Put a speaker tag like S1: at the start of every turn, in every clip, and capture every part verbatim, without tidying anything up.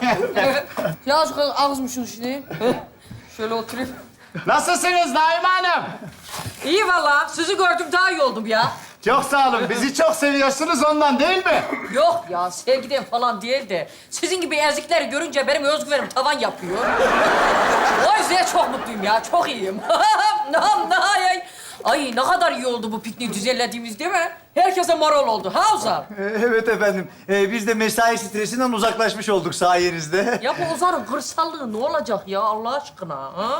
S1: Ya azıcık ağızmışsın şimdi. Şöyle oturayım.
S2: Nasılsınız Naime Hanım?
S1: İyi valla. Sizi gördüm daha iyi oldum ya.
S2: Çok sağ olun. Bizi çok seviyorsunuz ondan değil mi?
S1: Yok ya sevgiden falan değil de sizin gibi ezikleri görünce benim özgüvenim tavan yapıyor. O yüzden çok mutluyum ya. Çok iyiyim. Nam nay. Ay ne kadar iyi oldu bu pikniği düzenlediğimiz değil mi? Herkese moral oldu. Ha Ozan?
S3: Evet efendim. Ee, biz de mesai stresinden uzaklaşmış olduk sayenizde.
S1: Ya bu Ozan'ın kırsallığı ne olacak ya Allah aşkına? Ha?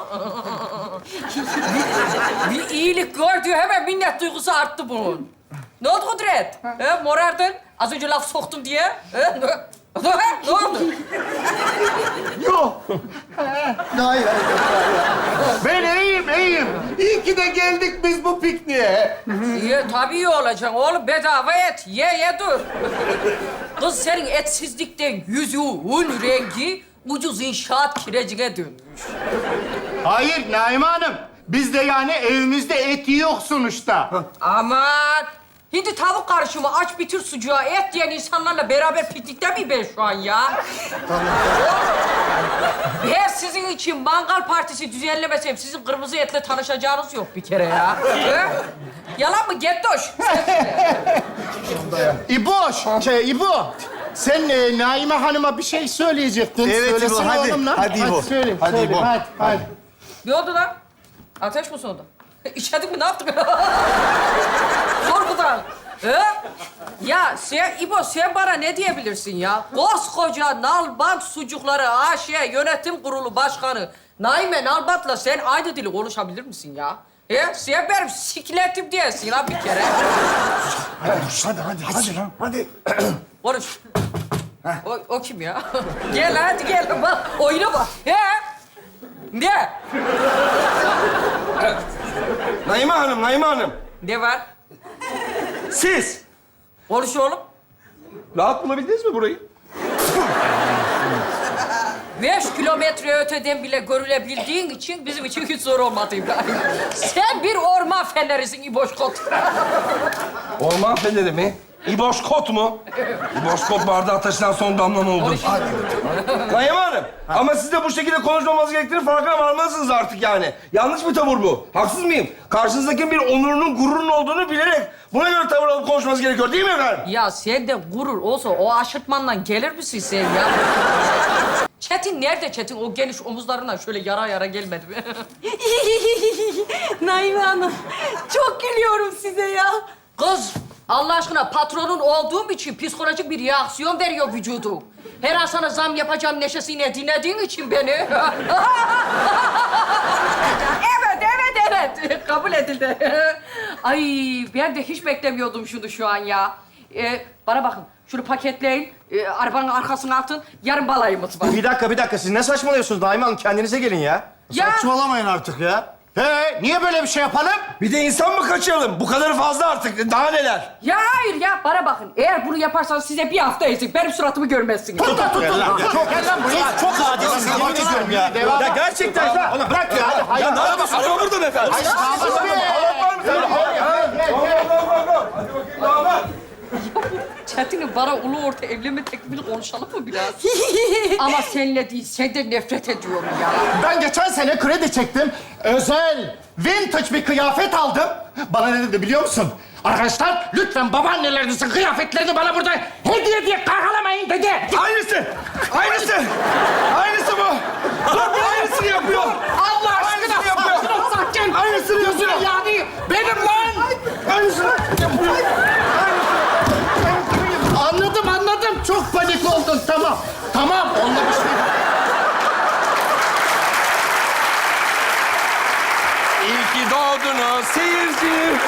S1: bir, bir iyilik gördü hemen minnet duygusu arttı bunun. Ne oldu Kudret? He, morardın. Az önce laf soktum diye. He, ne, ne oldu?
S2: Yok.
S3: Hayır, hayır, hayır.
S2: Ben iyiyim, iyiyim. İyi ki de geldik biz bu pikniğe.
S1: İyi, tabii iyi olacaksın oğlum. Bedava et. Ye, ye dur. Kız senin etsizlikten yüzüğün rengi ucuz inşaat kirecine dönmüş.
S2: Hayır Naime Hanım. Bizde yani evimizde et yok sonuçta.
S1: Aman! Hindi tavuk karışımı aç bitir sucuğa et diyen insanlarla beraber piknikte miyim ben şu an ya? Ben sizin için mangal partisi düzenlemesem sizin kırmızı etle tanışacağınız yok bir kere ya. He? Yalan mı Gettoş?
S2: İboş, şey İbo. Sen e, Naime Hanım'a bir şey söyleyecektin.
S3: Evet, İbo,
S2: Söylesene
S3: hadi.
S2: oğlum lan.
S3: Hadi İbo.
S2: söyle,
S3: Hadi
S2: söyle.
S3: İbo.
S2: Hadi, hadi.
S1: Ne oldu lan? Ateş mi soğudu? İçerdin mi? Ne yaptık? Korkudan. He? Ya sen, İbo sen bana ne diyebilirsin ya? Koskoca Nalbant Sucukları A Ş Yönetim Kurulu Başkanı Naime Nalbant'la sen aynı dili konuşabilir misin ya? He? Sen benim sikletim diyesin ha bir kere.
S3: Hadi, hadi, hadi lan, hadi.
S1: Konuş. O, o kim ya? Gel hadi gel bak oyuna bak. He? Ne?
S4: Naime Hanım, Naime Hanım.
S1: Ne var?
S4: Siz
S1: Konuş oğlum.
S4: rahat bulabildiniz mi burayı?
S1: Beş kilometre öteden bile görülebildiğin için bizim için hiç zor olmadı İbrahim. Sen bir orman fenerisin İboşkot.
S4: Orman feneri mi? İboşkot mu? İboşkot bardağı taşınan son damla mı oldu?
S1: Konuş.
S4: Naime Hanım, ama siz de bu şekilde konuşmamanız gerektiğini farkına varmalısınız artık yani. Yanlış bir tavır bu. Haksız mıyım? Karşınızdakinin bir onurunun, gururunun olduğunu bilerek buna göre tavır alıp konuşmanız gerekiyor değil mi efendim?
S1: Ya sende gurur olsa o aşırtmandan gelir misin sen ya? Çetin nerede Çetin? O geniş omuzlarından şöyle yara yara gelmedi mi?
S5: Naime Hanım, çok gülüyorum size ya.
S1: Kız, Allah aşkına patronun olduğum için psikolojik bir reaksiyon veriyor vücudu. Her an sana zam yapacağım neşesiyle dinlediğin için beni. evet, evet, evet. Kabul edildi. Ay, ben de hiç beklemiyordum şunu şu an ya. Ee, bana bakın, şunu paketleyin, ee, arabanın arkasına atın. Yarın balayımız var.
S3: Bir dakika, bir dakika. Siz ne saçmalıyorsunuz Naime Hanım? Kendinize gelin ya.
S1: Ya-
S3: Saçmalamayın artık ya.
S2: He, niye böyle bir şey yapalım?
S4: Bir de insan mı kaçıralım? Bu kadarı fazla artık. Daha neler?
S1: Ya hayır ya, bana bakın. Eğer bunu yaparsanız size bir hafta ezik. Benim suratımı görmezsiniz.
S2: Tut, tut, tut. Çok, gel lan buraya.
S3: Çok adilsiniz, yemin ediyorum ya.
S2: Devam.
S3: Ya gerçekten ya.
S2: Oğlum bırak ya. Hadi, hayır.
S4: Ya ne yapıyorsun? Araba burada mı efendim?
S2: Hayır, kalmasın be.
S1: Çetin'im bana ulu orta evlenme teklifini konuşalım mı biraz? Ama seninle değil, senden nefret ediyorum ya.
S2: Ben geçen sene kredi çektim. Özel, vintage bir kıyafet aldım. Bana ne dedi biliyor musun? Arkadaşlar lütfen babaannelerinizin kıyafetlerini bana burada hediye diye kargalamayın dedi.
S4: Aynısı! Aynısı! Aynısı bu! Dur, bu aynısını yapıyor!
S2: Allah aşkına
S4: Aynısını yapıyor!
S2: sakin ol sakin.
S4: Aynısını
S2: Gözüne
S4: yapıyor!
S2: yani benim lan.
S4: Aynısını yapıyor!
S2: Anladım anladım. Çok panik oldun tamam. Tamam onunla bir şey.
S4: İyi ki doğdunuz seyirci!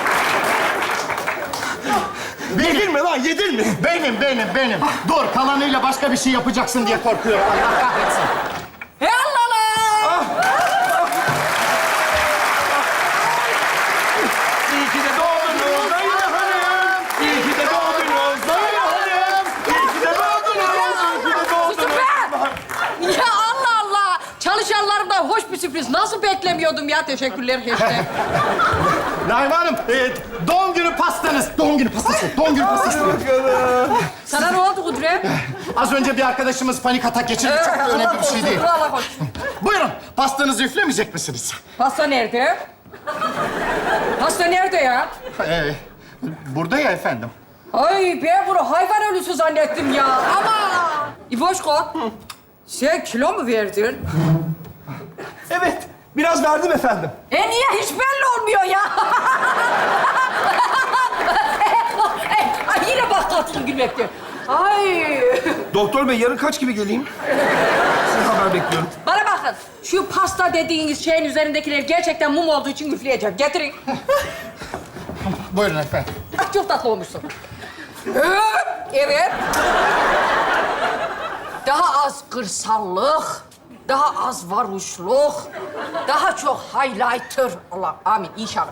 S4: Yedin mi lan, yedin mi?
S2: Benim benim benim. Dur kalanıyla başka bir şey yapacaksın diye korkuyorum. Allah kahretsin.
S1: Hey Allah Allah!
S4: İyi ki de doğdunuz Naime Hanım! İyi ki de doğdunuz Naime Hanım! İyi ki de doğdunuz! İyi ki de
S1: Susun
S4: doğdunuz!
S1: be! Ya Allah Allah! Çalışanlarımdan hoş bir sürpriz. Nasıl beklemiyordum ya? Teşekkürler işte.
S2: Naime Hanım, e, doğum günü pastanız. Doğum günü pastası, doğum günü pastası.
S1: Sana ne oldu Kudret?
S2: Az önce bir arkadaşımız panik atak geçirdi. Çok da önemli bir şey değil.
S1: Dur Allah koş.
S2: Buyurun, pastanızı üflemeyecek misiniz?
S1: Pasta nerede? Pasta nerede ya?
S2: Ee, burada ya efendim.
S1: Ay ben bunu hayvan ölüsü zannettim ya. Ama İboşko, sen kilo mu verdin?
S4: Evet, biraz verdim efendim.
S1: E niye hiç belli olmuyor ya? Ay yine bak katılım gülmekte. Ay.
S4: Doktor bey, yarın kaç gibi geleyim? Sizin haber bekliyorum.
S1: Bana bakın, şu pasta dediğiniz şeyin üzerindekiler gerçekten mum olduğu için üfleyeceğim. Getirin.
S2: Buyurun efendim.
S1: Ah, çok tatlı olmuşsun. Evet. Daha az kırsallık, daha az varuşluk, daha çok highlighter. Allah, amin inşallah.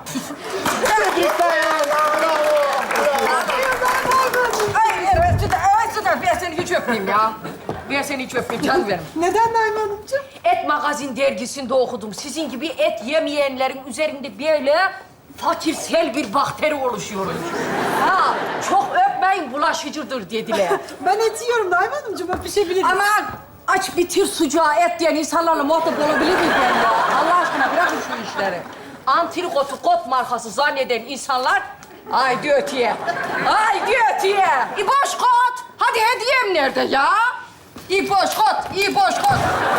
S1: Ay, evet, süper, evet, süper. Ben seni hiç öpmeyeyim ya. Ben seni hiç öpmeyeyim, canım benim.
S5: Neden Naime Hanımcığım?
S1: Et Magazin dergisinde okudum. Sizin gibi et yemeyenlerin üzerinde böyle fakirsel bir bakteri oluşuyor. Ha, çok öpmeyin, bulaşıcıdır dediler.
S5: Ben et yiyorum Naime Hanımcığım, öpüşebiliriz.
S1: Aman aç bitir sucuğa et diyen insanlarla muhatap olabilir miyim ben ya? Allah aşkına bırakın şu işleri. Antrikotu kot markası zanneden insanlar haydi öteye. Haydi öteye. İboş kot. Hadi hediyem nerede ya? İboş kot, İboş kot.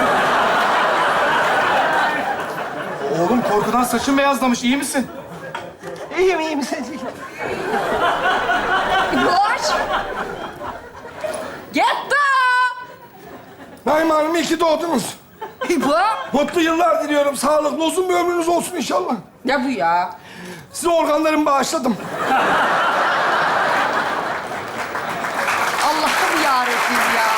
S2: Oğlum korkudan saçın beyazlamış. İyi misin?
S4: İyiyim, iyiyim.
S1: İboş. Get
S4: Naime Hanım, iyi ki doğdunuz.
S1: İbo.
S4: Mutlu yıllar diliyorum. Sağlıklı, uzun bir ömrünüz olsun inşallah.
S1: Ne bu ya?
S4: Size organlarımı bağışladım.
S1: Allah'ım yarabbim ya.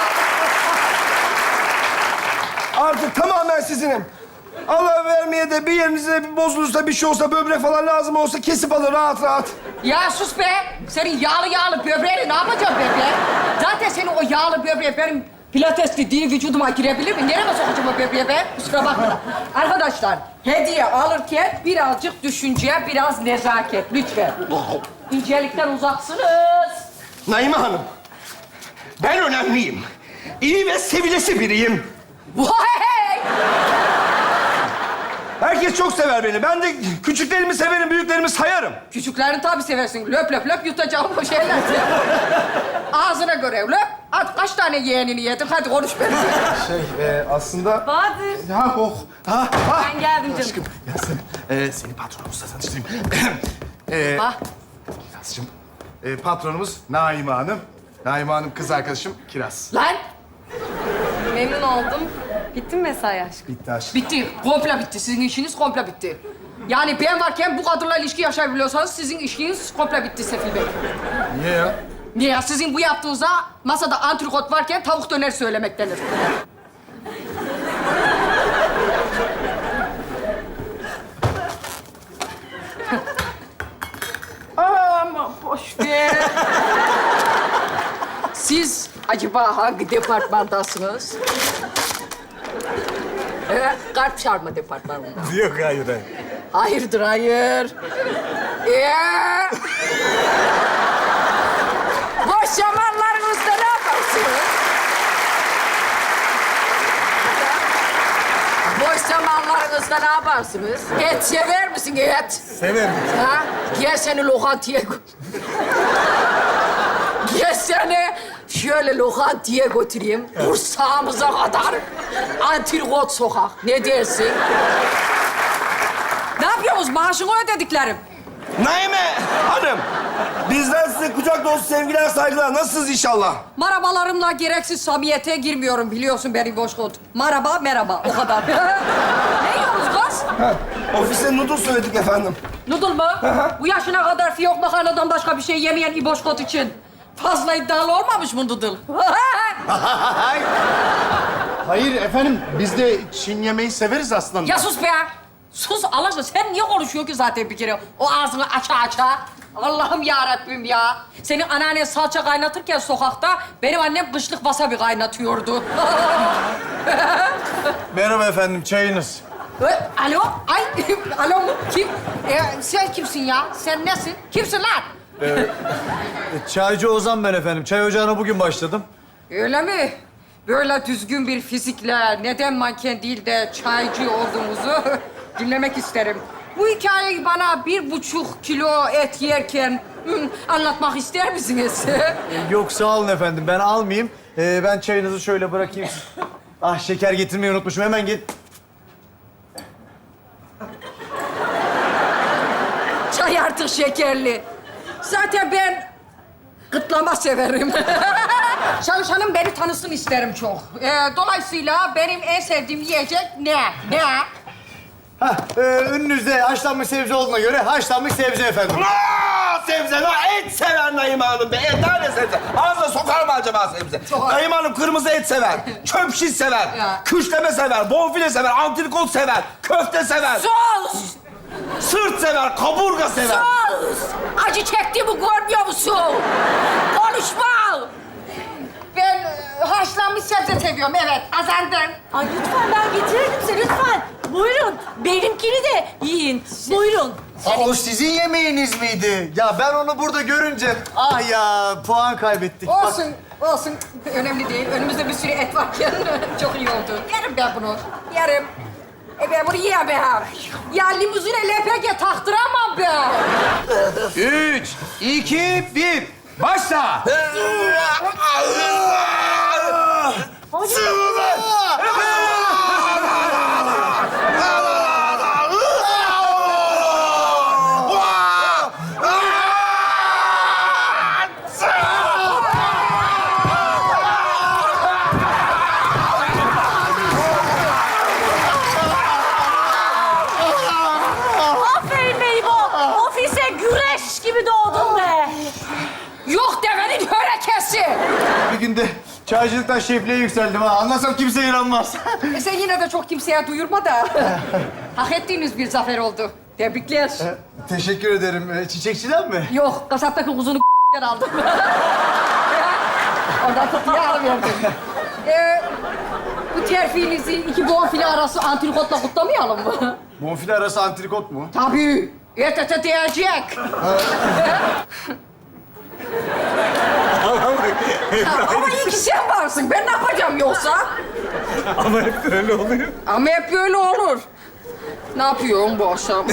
S4: Artık tamamen sizinim. Allah vermeye de bir yerinize bir bozulursa, bir şey olsa, böbrek falan lazım olsa kesip alır rahat rahat.
S1: Ya sus be! Senin yağlı yağlı böbreğini ne yapacağım ben be? Zaten senin o yağlı böbreği benim pilates dediği vücuduma girebilir mi? Nereye sokacağım o böbreği be? Kusura bakma. Arkadaşlar, hediye alırken birazcık düşünce, biraz nezaket lütfen. İncelikten uzaksınız.
S4: Naime Hanım, ben önemliyim. İyi ve sevilesi biriyim.
S1: Vay!
S4: Herkes çok sever beni. Ben de küçüklerimi severim, büyüklerimi sayarım.
S1: Küçüklerini tabii seversin. Löp löp löp yutacağım o şeyler. Ağzına göre löp. Hadi kaç tane yeğenini yedin? Hadi konuş benimle.
S2: Şey, e, aslında...
S5: Bahadır.
S2: Ha, oh. Ha, ha.
S5: Ben geldim canım.
S2: Aşkım, Yasemin. Ee, seni patronumuzla tanıştırayım. ee,
S1: Bak.
S2: Kirazcığım, e, patronumuz Naime Hanım. Naime Hanım kız arkadaşım Kiraz.
S1: Lan!
S5: Memnun oldum. Bitti mi mesai aşkım?
S2: Bitti aşkım.
S1: Bitti. Komple bitti. Sizin işiniz komple bitti. Yani ben varken bu kadınla ilişki yaşayabiliyorsanız sizin işiniz komple bitti Sefil Bey.
S2: Niye ya?
S1: Niye ya? Sizin bu yaptığınıza masada antrikot varken tavuk döner söylemek denir. Aman boş ver. Siz acaba hangi departmandasınız? Evet, kalp çarpma departmanında.
S2: Yok, hayır, hayır.
S1: Hayırdır, hayır. Ee, boş zamanlarınızda ne yaparsınız? Boş zamanlarınızda ne yaparsınız? Et sever misin et?
S2: Severim.
S1: Ha? Gel seni lokantaya gö- Gel seni şöyle lokantaya götüreyim. Kursağımıza kadar. Antrikot sokak. Ne dersin? Ne yapıyorsunuz? Maaşını ödediklerim.
S4: Naime Hanım, bizden size kucak dolusu sevgiler, saygılar. Nasılsınız inşallah?
S1: Marabalarımla gereksiz samimiyete girmiyorum biliyorsun beni Boşkot. Maraba, merhaba. O kadar. Ne yiyorsunuz kız?
S4: Ha, ofiste noodle söyledik efendim.
S1: Noodle mu? Bu yaşına kadar fiyok makarnadan başka bir şey yemeyen İboşkot için fazla iddialı olmamış mı noodle?
S2: Hayır efendim, biz de Çin yemeği severiz aslında.
S1: Ya sus be! Sus Allah aşkına. Sen niye konuşuyorsun ki zaten bir kere? O ağzını aça aça. Allah'ım ya Rabbim ya. Senin anneannen salça kaynatırken sokakta benim annem kışlık wasabi kaynatıyordu.
S3: Merhaba efendim, çayınız.
S1: Ee, Alo? Ay, alo mu? Kim? Ee, sen kimsin ya? Sen nesin? Kimsin lan?
S3: E, Çaycı Ozan ben efendim. Çay ocağına bugün başladım.
S1: Öyle mi? Böyle düzgün bir fizikle neden manken değil de çaycı olduğumuzu dinlemek isterim. Bu hikayeyi bana bir buçuk kilo et yerken hmm, anlatmak ister misiniz?
S3: Yok sağ olun efendim. Ben almayayım. Ee, ben çayınızı şöyle bırakayım. Ah şeker getirmeyi unutmuşum. Hemen git.
S1: Çay artık şekerli. Zaten ben gıtlama severim. Çalışanım beni tanısın isterim çok. Ee, dolayısıyla benim en sevdiğim yiyecek ne? Ne?
S3: Hah, e, önünüzde haşlanmış sebze olduğuna göre haşlanmış sebze efendim.
S4: Aa, sebze lan et sever Naime Hanım be. Et tane sebze. Ağzına sokar mı acaba sebze?
S1: Sokar.
S4: Naime Hanım kırmızı et sever. Çöp şiş sever.
S1: Ya.
S4: Küşleme sever. Bonfile sever. Antrikot sever. Köfte sever.
S1: Sus!
S4: Sırt sever. Kaburga sever.
S1: Sus! Acı çektiğimi görmüyor musun? Konuşma! Ben e, haşlanmış sebze seviyorum, evet. Kazandın.
S6: Ay lütfen ben getirirdim size lütfen. Buyurun. Benimkini de yiyin. Buyurun.
S3: Aa, o sizin yemeğiniz miydi? Ya ben onu burada görünce ah ya puan kaybettik. Bak,
S1: Olsun, olsun. Önemli değil. Önümüzde bir sürü et varken çok iyi oldu. Yerim ben bunu. Yerim. E ben bunu yiyemem. Ya limuzine L P G taktıramam ben.
S7: Üç, iki, bir. Başla.
S6: Aferin Meybo. Ofise güreş gibi doğdun be.
S1: Yok devenin hörekesi.
S3: bir günde çaycılıktan şefliğe yükseldim ha. Anlasam kimse inanmaz.
S1: E sen yine de çok kimseye duyurma da. Hak ettiğiniz bir zafer oldu. Tebrikler.
S3: Teşekkür ederim. Ee, çiçekçiden mi?
S1: Yok, kasaptaki kuzunu aldım. Ondan tutuya alıverdim. Ee, bu terfinizi iki bonfile arası antrikotla kutlamayalım mı?
S3: Bonfile arası antrikot mu?
S1: Tabii. Et ete değecek. Ama iyi ki sen varsın. Ben ne yapacağım yoksa?
S7: Ama hep böyle oluyor.
S1: Ama hep böyle olur. Ne yapıyorsun bu akşam?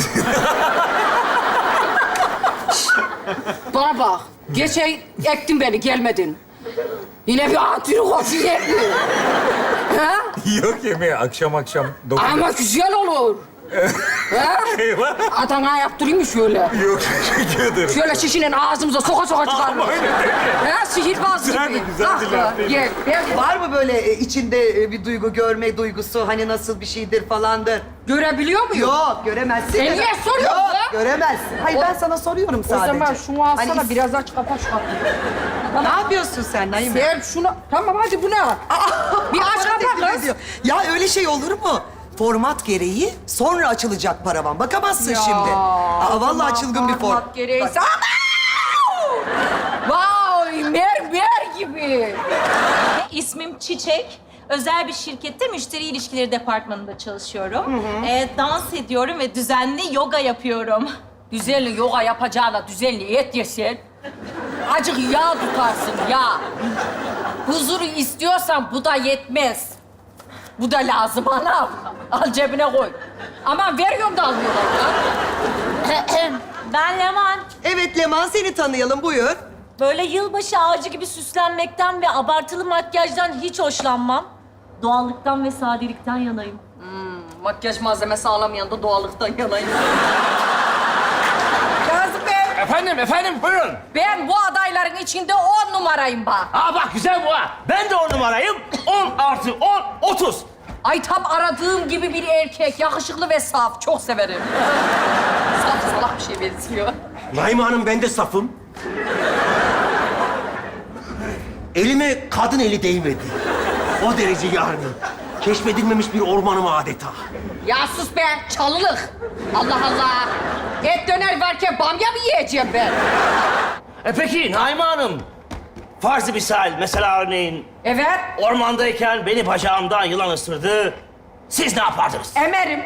S1: Bana bak. Geçen ektin beni, gelmedin. Yine bir antrikot yedin. Ha?
S7: Yok yemeği akşam akşam dokuz.
S1: Ama güzel olur. Ha?
S7: Eyvah.
S1: Adana yaptırayım mı şöyle?
S7: Yok teşekkür ederim.
S1: Şöyle şişinin ağzımıza soka soka çıkarmış. Ha? Sihirbaz
S7: Güzel
S1: gibi.
S7: de güzel
S1: Ah,
S7: bir laf değil.
S1: Gel, gel.
S8: Var mı böyle e, içinde e, bir duygu, görme duygusu, hani nasıl bir şeydir falandır?
S1: Görebiliyor muyum?
S8: Yok, göremezsin.
S1: E niye soruyorsun
S8: Yok,
S1: ya?
S8: göremezsin. Hayır,
S1: O-
S8: ben sana soruyorum
S1: O
S8: sadece.
S1: zaman şunu alsana,
S8: Hani is-
S1: biraz aç kapa şu kapıyı.
S8: Ne yapıyorsun sen Naime?
S1: Sen şunu... Tamam hadi bu ne? Bir aç
S8: Bana
S1: kapa
S8: teklif
S1: kız.
S8: ediyor. Ya öyle şey olur mu? Format gereği sonra açılacak paravan. Bakamazsın
S1: Ya,
S8: şimdi. Aa,
S1: o
S8: vallahi
S1: zaman
S8: çılgın bir form.
S1: format gereğiyse... Vay, mermer gibi.
S6: İsmim Çiçek. Özel bir şirkette müşteri ilişkileri departmanında çalışıyorum. Ee, dans ediyorum ve düzenli yoga yapıyorum.
S1: Düzenli yoga yapacağına düzenli et yesen... Acık yağ tutarsın, yağ. Huzuru istiyorsan bu da yetmez. Bu da lazım anam. Al cebine koy. Aman veriyorum da almıyorlar ya.
S6: Ben Leman.
S8: Evet Leman, seni tanıyalım, buyur.
S6: Böyle yılbaşı ağacı gibi süslenmekten ve abartılı makyajdan hiç hoşlanmam. Doğallıktan ve sadelikten yanayım.
S1: Makyaj malzemesi alamayan da doğallıktan yanayım. Kazım Bey,
S9: Efendim, efendim buyurun.
S1: ben bu adayların içinde on numarayım bak.
S9: Aa bak güzel bu ha. Ben de on numarayım. On artı on, otuz.
S1: Ay tam aradığım gibi bir erkek, yakışıklı ve saf. Çok severim. Saf salak bir şey benziyor.
S9: Naime Hanım ben de safım. Elime kadın eli değmedi. O derece yani. Keşfedilmemiş bir ormanım adeta.
S1: Ya sus be, çalılık. Allah Allah. Et döner varken bamya mı yiyeceğim ben?
S9: E peki Naime Hanım. Farz-ı misal mesela örneğin
S1: Evet,
S9: ormandayken beni bacağımdan yılan ısırdı. Siz ne yapardınız?
S1: emerim.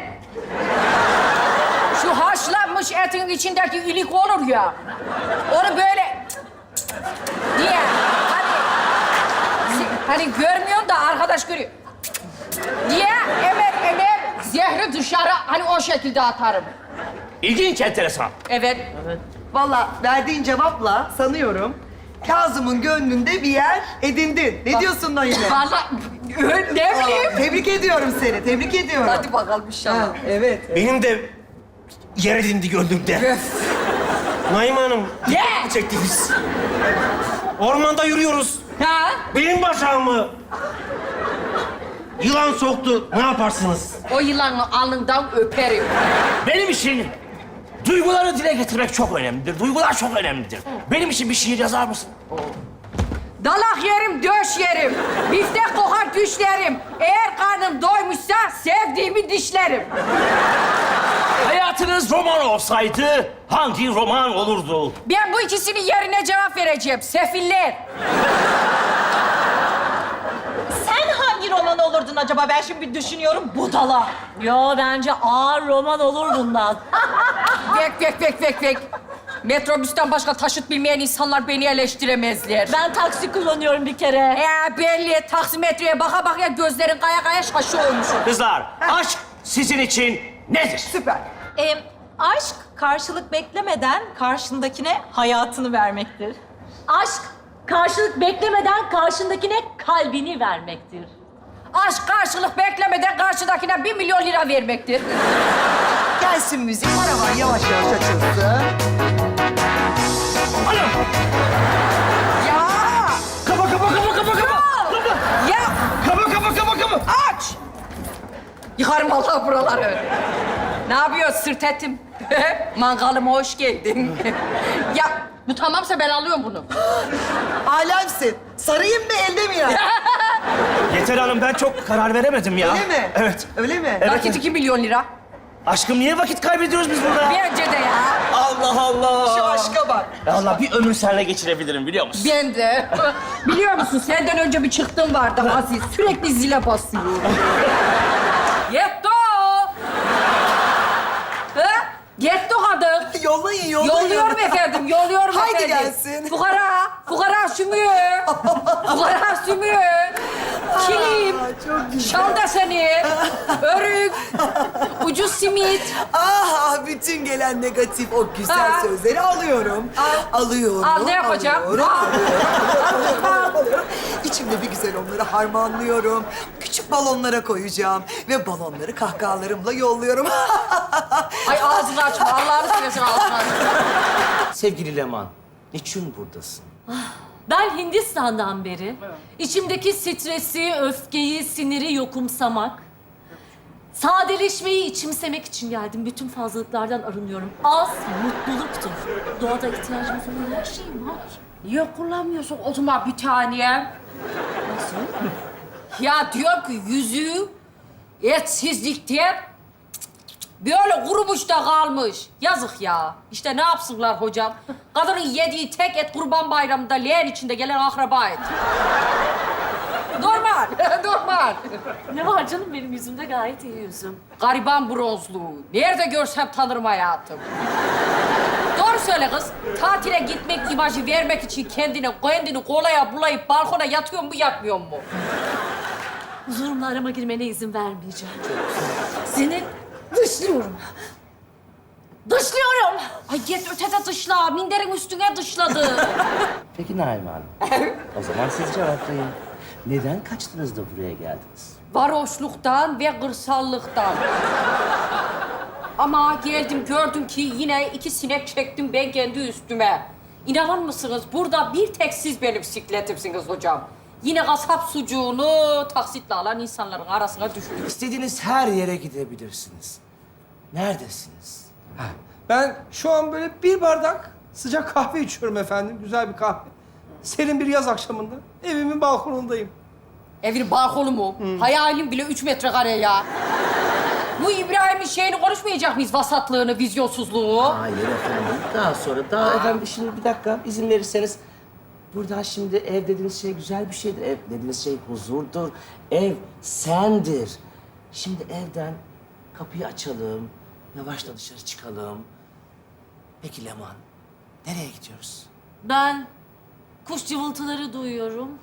S1: Şu haşlanmış etin içindeki ilik olur ya. Onu böyle diye. Hani Hani görmüyorsun da arkadaş görüyor. Diye emer emer zehri dışarı hani o şekilde atarım.
S9: İlginç, enteresan.
S1: Evet.
S8: Vallahi verdiğin cevapla sanıyorum Kazım'ın gönlünde bir yer edindin. Ne diyorsun Naime?
S1: Vallahi ne bileyim.
S8: Tebrik ediyorum seni, tebrik ediyorum.
S1: Hadi bakalım inşallah.
S8: Ha, evet.
S9: Benim de yer edindi gönlümde. Naime Hanım,
S1: Ne?
S9: çektiniz. Ormanda yürüyoruz.
S1: Ha?
S9: Benim bacağımı yılan soktu. Ne yaparsınız?
S1: O yılanı alnından öperim.
S9: Benim için duyguları dile getirmek çok önemlidir. Duygular çok önemlidir. Benim için bir şiir yazar mısın?
S1: Dalak yerim, döş yerim. Biftek kokar düşlerim. Eğer karnım doymuşsa sevdiğimi dişlerim.
S9: Hayatınız roman olsaydı hangi roman olurdu?
S1: Ben bu ikisinin yerine cevap vereceğim. Sefiller.
S6: Sen hangi roman olurdun acaba? Ben şimdi bir düşünüyorum. Budala. Yo bence ağır roman olur bundan.
S1: Bek bek bek bek bek. Metrobüsten başka taşıt bilmeyen insanlar beni eleştiremezler.
S6: Ben taksi kullanıyorum bir kere.
S1: Ee, belli. Taksimetreye baka baka gözlerin kaya kaya şaşı olmuşum.
S9: Kızlar, aşk sizin için nedir?
S8: Süper.
S6: Ee, aşk karşılık beklemeden karşındakine hayatını vermektir. Aşk karşılık beklemeden karşındakine kalbini vermektir.
S1: Aşk karşılık beklemeden karşıdakine bir milyon lira vermektir.
S8: Gelsin müzik, paravan yavaş yavaş açılsın.
S1: Ya!
S9: Kapa, kapa, kapa, kapa, kapa!
S1: Ya!
S9: Kapa, kapa, kapa, kapa!
S1: Aç! Yıkarım Allah buraları. Ne yapıyorsun sırt etim? Mangalıma hoş geldin. Ya bu tamamsa ben alıyorum bunu.
S8: Alemsin. Sarayım mı, elde mi ya?
S9: Yeter Hanım, ben çok karar veremedim ya.
S8: Öyle mi?
S9: Evet.
S8: Öyle mi?
S9: Evet.
S1: Nakit iki milyon lira.
S9: Aşkım, niye vakit kaybediyoruz biz burada?
S1: Bence de ya.
S9: Allah Allah!
S8: Şu aşka bak.
S9: Allah, bir ömür seninle geçirebilirim biliyor musun?
S1: Ben de. Biliyor musun senden önce bir çıktım vardı Aziz. Sürekli zile basıyor. Yetto! Ha? Yetto kadın.
S8: Yollayın, yollayın.
S1: Yolluyorum efendim, yolluyorum
S8: Haydi
S1: efendim.
S8: gelsin.
S1: Fukara, fukara sümüğü. Fukara sümüğü. Kilim.
S8: Çok güzel.
S1: Şal deseni. Örük. Ucuz simit.
S8: Ah, bütün gelen negatif o güzel
S1: Ha.
S8: sözleri alıyorum.
S1: Al.
S8: Alıyorum.
S1: Al, ne yapacağım?
S8: Alıyorum,
S1: Al.
S8: alıyorum, alıyorum, alıyorum. İçimde bir güzel onları harmanlıyorum. Küçük balonlara koyacağım. Ve balonları kahkahalarımla yolluyorum.
S1: Ay ağzını açma, Allah'ını seversen ağzını açma.
S9: Sevgili Leman, niçin buradasın?
S10: Ben Hindistan'dan beri içimdeki stresi, öfkeyi, siniri yokumsamak, sadeleşmeyi içimsemek için geldim. Bütün fazlalıklardan arınıyorum. Az mutluluktur. Doğada ihtiyacımız olan her şey var.
S1: Niye kullanmıyorsun o zaman bir tane? Nasıl? Ya diyor ki yüzüğü etsizlikten böyle kurumuş da kalmış. Yazık ya. İşte ne yapsınlar hocam? Kadının yediği tek et Kurban Bayramı'nda leğen içinde gelen akraba et. Normal, normal.
S10: Ne var canım benim yüzümde gayet iyi yüzüm.
S1: Gariban bronzluğu. Nerede görsem tanırım hayatım. Doğru söyle kız. Tatile gitmek imajı vermek için kendini, kendini kolaya bulayıp balkona yatıyor mu, yatmıyor mu?
S10: Huzurumla arama girmene izin vermeyeceğim. Seni dışlıyorum. Dışlıyorum.
S1: Ay git ötede dışla. Minderin üstüne dışladı.
S9: Peki Naime Hanım, o zaman siz cevaplayın. Neden kaçtınız da buraya geldiniz?
S1: Varoşluktan ve kırsallıktan. Ama geldim gördüm ki yine iki sinek çektim ben kendi üstüme. İnanır mısınız? Burada bir tek siz benim sikletimsiniz hocam. Yine kasap sucuğunu taksitle alan insanların arasına düştüm.
S9: İstediğiniz her yere gidebilirsiniz. Neredesiniz?
S11: Ben şu an böyle bir bardak sıcak kahve içiyorum efendim. Güzel bir kahve. Serin bir yaz akşamında evimin balkonundayım.
S1: Evin balkonu mu? Hayalim bile üç metrekare ya. Bu İbrahim'in şeyini konuşmayacak mıyız? Vasatlığını, vizyonsuzluğu.
S9: Hayır efendim. Daha sonra, daha efendim şimdi bir dakika izin verirseniz. Burada şimdi ev dediğiniz şey güzel bir şeydir. Ev dediğiniz şey huzurdur. Ev sendir. Şimdi evden kapıyı açalım. Yavaşça dışarı çıkalım. Peki Leman, nereye gidiyoruz?
S10: Ben kuş cıvıltıları duyuyorum.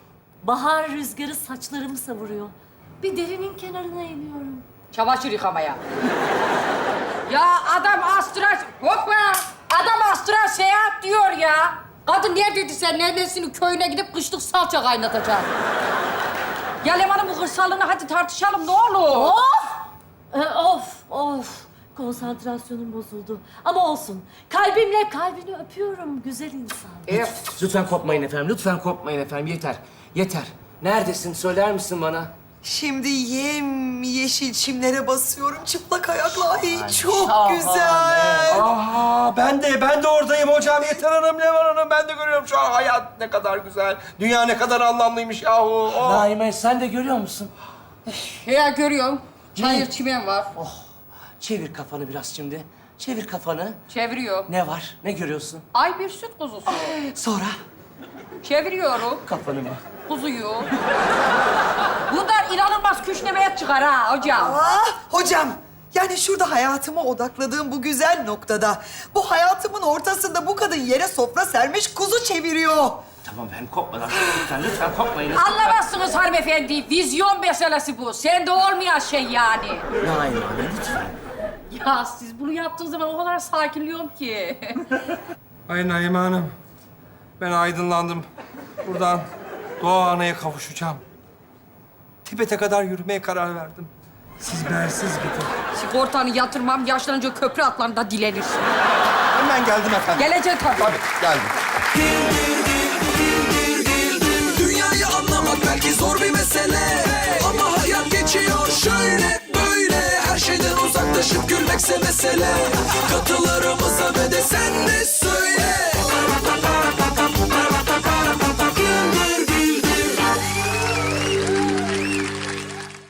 S10: Bahar rüzgarı saçlarımı savuruyor. Bir derinin kenarına iniyorum.
S1: Çamaşır yıkamaya. Ya adam astral... Hoppa! Adam astral seyahat diyor ya. Kadın neredeydi sen? Neredesinin köyüne gidip kışlık salça kaynatacak. Ya Leman'ın bu hırsallığını hadi tartışalım ne olur.
S10: Of! Ee, of, of. Konsantrasyonum bozuldu. Ama olsun. Kalbimle kalbini öpüyorum güzel insan.
S1: Evet.
S9: Lütfen kopmayın efendim, lütfen kopmayın efendim. Yeter, yeter. Neredesin? Söyler misin bana?
S8: Şimdi yem yeşil çimlere basıyorum çıplak ayakla. Ay çok
S9: şahane.
S8: güzel.
S11: Aha ben de ben de oradayım hocam. Yeter Hanım, Levan Hanım ben de görüyorum şu an hayat ne kadar güzel. Dünya ne kadar anlamlıymış yahu. Oh.
S9: Naime sen de görüyor musun?
S1: Ya görüyorum. Çayır çimen var.
S9: Çevir kafanı biraz şimdi. Çevir kafanı.
S1: Çeviriyor.
S9: Ne var? Ne görüyorsun?
S1: Ay bir süt kuzusu.
S9: Sonra
S1: Çeviriyorum.
S9: kafanı mı?
S1: Kuzuyu. Bunlar inanılmaz küşnemeye çıkar ha hocam.
S8: Ah hocam. Yani şurada hayatıma odakladığım bu güzel noktada, bu hayatımın ortasında bu kadın yere sofra sermiş kuzu çeviriyor.
S9: Tamam ben kopmadan. Lütfen, lütfen kopmayın.
S1: Anlamazsınız hanımefendi. Vizyon meselesi bu. Sende olmayan şey yani.
S9: Naime Hanım lütfen.
S1: Ya siz bunu yaptığınız zaman o kadar sakinliyorum ki.
S11: Ay Naime Hanım. Ben aydınlandım. Buradan Doğa Ana'ya kavuşacağım. Tibet'e kadar yürümeye karar verdim. Siz bensiz gidin.
S1: Sigortanı yatırmam, yaşlanınca köprü atlarında dilenirsin.
S11: Hemen geldim efendim.
S1: Gelecek tabii.
S11: Tabii geldim.
S12: Dünyayı anlamak belki zor bir mesele, ama hayat geçiyor şöyle böyle. Her şeyden uzaklaşıp gülmekse mesele. Katılarımıza ve de sen de